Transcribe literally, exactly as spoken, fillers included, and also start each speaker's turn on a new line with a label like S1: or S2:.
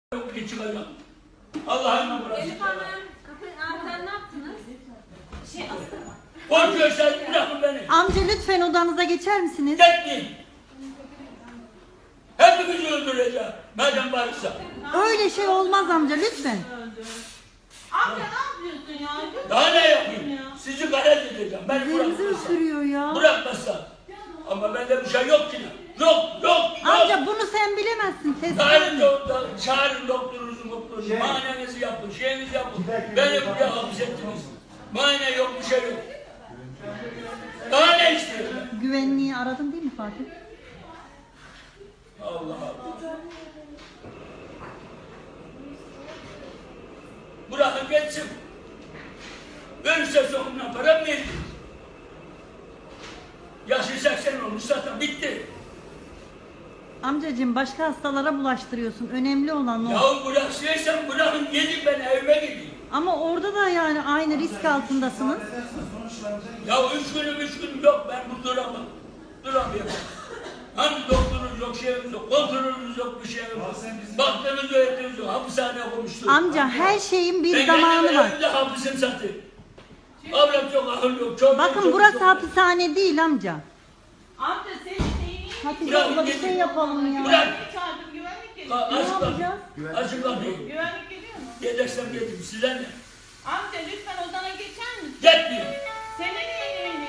S1: Yok ki çıkacağım. Allah'ın burası.
S2: Elif Hanım, kapı, aa, sen ne yaptınız? Şey astırma.
S1: Korkuyorsan bırakın beni.
S3: Amca lütfen odanıza geçer misiniz?
S1: Gitmeyin. Hepimizi öldüreceğim. Madem varsa.
S3: Öyle şey olmaz amca lütfen.
S2: Amca ne yapıyorsun ya?
S1: Daha ne yapayım? Sizi galet edeceğim. Beni
S3: Üzerinizi
S1: bırakmazsa.
S3: ısırıyor ya.
S1: Bırakmazsa. Ama bende bir şey yok ki. Yok, yok, yok.
S3: Amca bunu sen bilemezsin. Test
S1: Çağırın, doktor, çağırın doktorunuzu, doktorunuzu. Şey, muayenenizi yapın, şeyinizi yapın. Beni buraya hapsettiniz. Muayene yok, bir şey yok. Daha ne istiyorsun?
S3: Güvenliği aradın değil mi Fatih?
S1: Allah Allah. Bırakın geçsin. Ölürse sonuna para mı verir? Yaşı seksen olmuş zaten bitti.
S3: Amcacığım başka hastalara bulaştırıyorsun. Önemli olan o.
S1: Yahu bıraksaysan bırakın gidin ben evime gideyim.
S3: Ama orada da yani aynı risk altındasınız.
S1: Ya üç günüm üç günüm yok ben bu duramam. Duramıyorum. Hani doktorunuz yok, şeyimiz yok, kontrolünüz yok, bir şeyimiz yok. Baktığınız öğretiniz yok, hapishaneye koymuştur.
S3: Amca her şeyin bir
S1: Ben
S3: zamanı
S1: kendim
S3: var.
S1: evimde hapisim zaten. Avrat yok, ahıl yok, çok
S3: Bakın
S1: çok,
S3: burası
S1: çok,
S3: hapishane değil amca.
S2: Amca senin neyin?
S3: Hatice
S1: Bırak,
S3: abla bir
S1: git.
S3: şey yapalım ya.
S1: Bırak.
S2: Çağırdım güvenlik
S1: Ha,
S2: geliyor.
S3: Ne
S1: Açık kapıyı.
S3: yapacağız?
S1: Açık kapıyı.
S2: Güvenlik geliyor mu?
S1: Gelirsem geldim, size ne?
S2: Amca lütfen odana geçer misin?
S1: Gitmeyin.
S2: Senin neyin?